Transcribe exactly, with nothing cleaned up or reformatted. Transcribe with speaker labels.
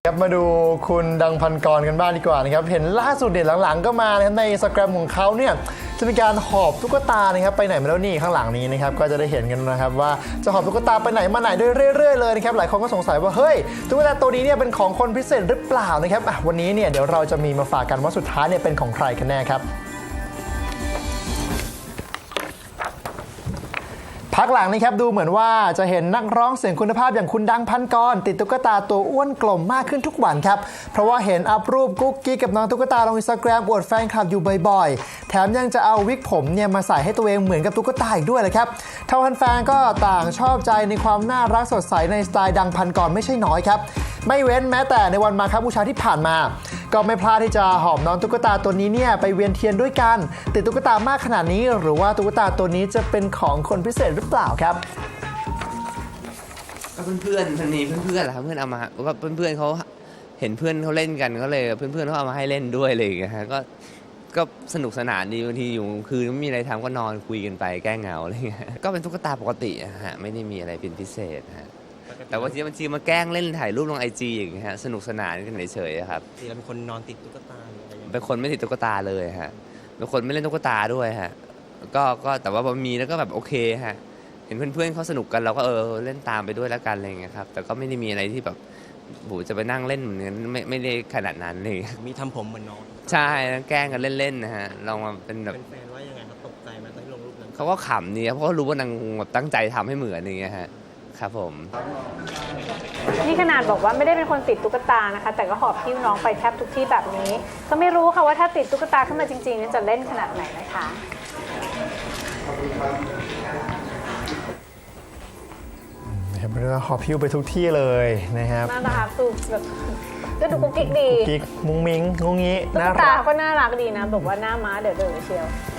Speaker 1: ครับมาดูคุณดังพันกรกันบ้างดีกว่านะครับเห็นล่าสุดเด็ดหลังๆก็มานะครับใน Instagram ของเขาเนี่ยจะมีการหอบตุ๊กตานะครับไปไหนมาแล้วนี่ข้างหลังนี้นะครับก็จะได้เห็นกันนะครับว่าจะหอบตุ๊กตาไปไหนมาไหนด้วยเรื่อยๆเลยนะครับหลายคนก็สงสัยว่าเฮ้ยตุ๊กตาตัวนี้เนี่ยเป็นของคนพิเศษหรือเปล่านะครับวันนี้เนี่ยเดี๋ยวเราจะมีมาฝากกันว่าสุดท้ายเนี่ยเป็นของใครกันแน่ครับพักหลังนี้ครับดูเหมือนว่าจะเห็นนักร้องเสียงคุณภาพอย่างคุณดังพันกรติดตุ๊กตาตัวอ้วนกลมมากขึ้นทุกวันครับเพราะว่าเห็นอัพรูปกุ๊กกิ๊กกับน้องตุ๊กตาลงอินสตาแกรมอวดแฟนคลับอยู่บ่อยๆแถมยังจะเอาวิกผมเนี่ยมาใส่ให้ตัวเองเหมือนกับตุ๊กตาอีกด้วยเลยครับทางแฟนๆก็ต่างชอบใจในความน่ารักสดใสในสไตล์ดังพันกรไม่ใช่น้อยครับไม่เว้นแม้แต่ในวันมาฆบูชาที่ผ่านมาก็ไม่พลาดที่จะหอบน้องตุ๊กตาตัวนี้เนี่ยไปเวียนเทียนด้วยกันติดตุ๊กตามากขนาดนี้หรือว่าตุ๊กตาตัวนี้จะเป็นของคนพิเศษหรือเปล่าครับ
Speaker 2: ก็เพื่อนๆมันมีเพื่อนๆแหละครับเพื่อนเอามาก็เพื่อนๆเขาเห็นเพื่อนเขาเล่นกันก็เลยเพื่อนๆเขาเอามาให้เล่นด้วยอะไรอย่างเงี้ยฮะก็ก็สนุกสนานดีบางทีอยู่คืนไม่มีอะไรทำก็นอนคุยกันไปแก้เหงาอะไรเงี้ยก็เป็นตุ๊กตาปกติฮะไม่ได้มีอะไรเป็นพิเศษฮะแต่ว่าที่บางทีมาแกล้งเล่นถ่ายรูปลงไอจีอย่างเงี้ยฮะสนุกสนานกันเฉยๆครับ
Speaker 3: เราเป็นคนนอนติดตุ๊กตาหรืออะไรอย่างเงี้ย
Speaker 2: เป็นคนไม่ติดตุ๊กตาเลยฮะเป็นคนไม่เล่นตุ๊กตาด้วยฮะก็ก็แต่ว่าพอมีแล้วก็แบบโอเคฮะเห็นเพื่อนๆเขาสนุกกันเราก็เออเล่นตามไปด้วยแล้วกันอะไรอย่างเงี้ยครับแต่ก็ไม่ได้มีอะไรที่แบบโหจะไปนั่งเล่นเหมือนกันไม่ไม่ได้ขนาดนั้นเลย
Speaker 3: มีทำผมเหมือนน้อง
Speaker 2: ใช่แกล้งกันเล่นๆนะฮะลองมาเป็นแบบ
Speaker 3: แฟนว่ายังไงเขาตกใจไหมตอนที่ลงรูปนั้น
Speaker 2: เขาก็ขำนี่เพราะเขารู้ว่านางแบบตั้งใจทำให้เหมือนอย่างเงี้ยฮะครับผม
Speaker 4: นี่ขนาดบอกว่าไม่ได้เป็นคนติดตุ๊กตานะคะแต่ก็หอบหิ้วน้องไปแทบทุกที่แบบนี้ก็ไม่รู้ค่ะว่าถ้าติดตุ๊กตาขึ้นมาจริงๆจะเล่นขนาดไหนนะคะ
Speaker 1: นะครับเรื่องหอบพิ้วไปทุกที่เลยนะครับ
Speaker 4: น่ารักสุดแบบก็ดูกุ๊กกิ๊กดี
Speaker 1: กิ๊กมุ้งมิ้งงุ้งงี้
Speaker 4: ตุ๊กตาก็น่ารักดีนะแบบว่าหน้าม้าเดือดๆเชียว